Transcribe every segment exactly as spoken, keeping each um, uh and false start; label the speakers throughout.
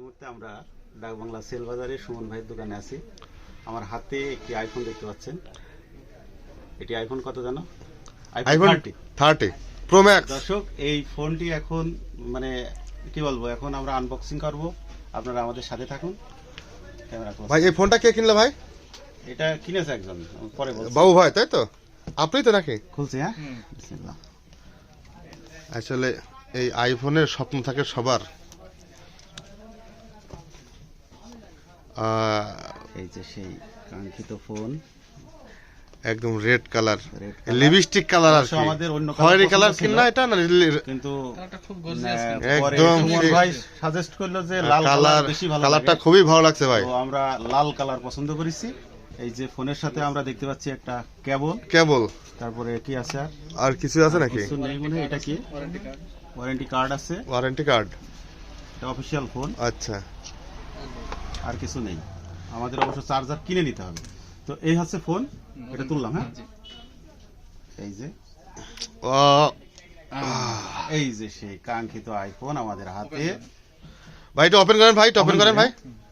Speaker 1: মুহূর্তে আমরা ডাকবাংলা সেল বাজারে সুমন ভাইয়ের দোকানে আছি। আমার হাতে একটি আইফোন দেখতে পাচ্ছেন। এটি আইফোন কত জানো?
Speaker 2: IPhone thirty pro max.
Speaker 1: দর্শক, এই ফোনটি এখন মানে কি বলবো, এখন আমরা আনবক্সিং করব, আপনারা আমাদের সাথে থাকুন। Camera close.
Speaker 2: ভাই এই ফোনটা কে কিনলো ভাই?
Speaker 1: এটা কিনেছে একজন, পরে বলছি।
Speaker 2: বাবু ভাই তাই তো? আপনি তো নাকি?
Speaker 1: খুলছি, হ্যাঁ। বিসমিল্লাহ।
Speaker 2: আসলে এই আইফোনের স্বপ্ন থাকে সবার। আহ,
Speaker 1: এই যে সেই কাঙ্ক্ষিত ফোন,
Speaker 2: একদম red colour,
Speaker 1: red color।
Speaker 2: Lipstick colour আর
Speaker 1: অবশ্য
Speaker 2: কি।
Speaker 1: আমাদের অন্য
Speaker 2: খয়েরি কালার
Speaker 1: পছন্দ
Speaker 2: কিনলা
Speaker 1: ছিল,
Speaker 2: এটা না?
Speaker 1: কিন্তু
Speaker 3: খুব
Speaker 1: আহ, পরে
Speaker 2: একদম
Speaker 1: সুমন
Speaker 2: সেই-
Speaker 1: ভাই সাজেস্ট করলো যে লাল
Speaker 2: কালার
Speaker 1: কালার বেশি ভালো
Speaker 2: কালারটা
Speaker 1: লাগে।
Speaker 2: খুবই ভালো লাগছে ভাই।
Speaker 1: তো আমরা লাল কালার পছন্দ করেছি। এই যে ফোনের সাথে আমরা দেখতে পাচ্ছি একটা কেবল,
Speaker 2: কেবল
Speaker 1: তারপরে কি আছে আর
Speaker 2: আর কিছু আছে নাকি?
Speaker 1: কিছু নেই মনে হয়। এটা কি ওয়ারেন্টি কার্ড আছে,
Speaker 2: ওয়ারেন্টি কার্ড।
Speaker 1: এটা অফিশিয়াল ফোন,
Speaker 2: আচ্ছা,
Speaker 1: আর কিছু নেই। আমাদের অবশ্য চার্জার কিনে নিতে হবে। তো এই হচ্ছে ফোন, এটা তুললাম। হ্যাঁ, এই যে
Speaker 2: ও
Speaker 1: এই যে সেই কাঙ্ক্ষিত আইফোন আমাদের হাতে।
Speaker 2: ভাই এটা ওপেন করেন ভাই, এটা ওপেন করেন ভাই।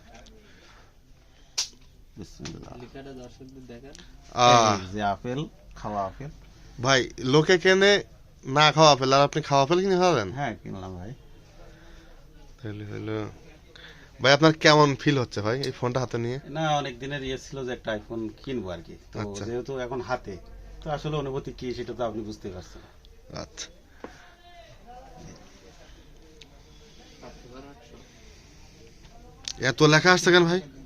Speaker 1: বিসমিল্লাহ।
Speaker 2: আহ,
Speaker 1: এই যে আপেল, খাওয়া আপেল।
Speaker 2: ভাই লোকে কেনে না খাওয়া আপেল, আর আপনি খাওয়া আপেল কিনে খাওয়াবেন?
Speaker 1: হ্যাঁ, কিনলাম ভাই।
Speaker 2: তাহলে হলো ভাই, আপনার কেমন ফিল হচ্ছে ভাই এই ফোনটা হাতে নিয়ে?
Speaker 1: না, অনেক দিনের ইয়ে ছিল যে একটা আইফোন কিনবো আর কি। তো
Speaker 2: আচ্ছা।
Speaker 1: যেহেতু এখন হাতে, তো আসলে অনুভূতি কি সেটা তো আপনি বুঝতে পারছেন।
Speaker 2: আচ্ছা, এত লেখা আসছে কেন ভাই?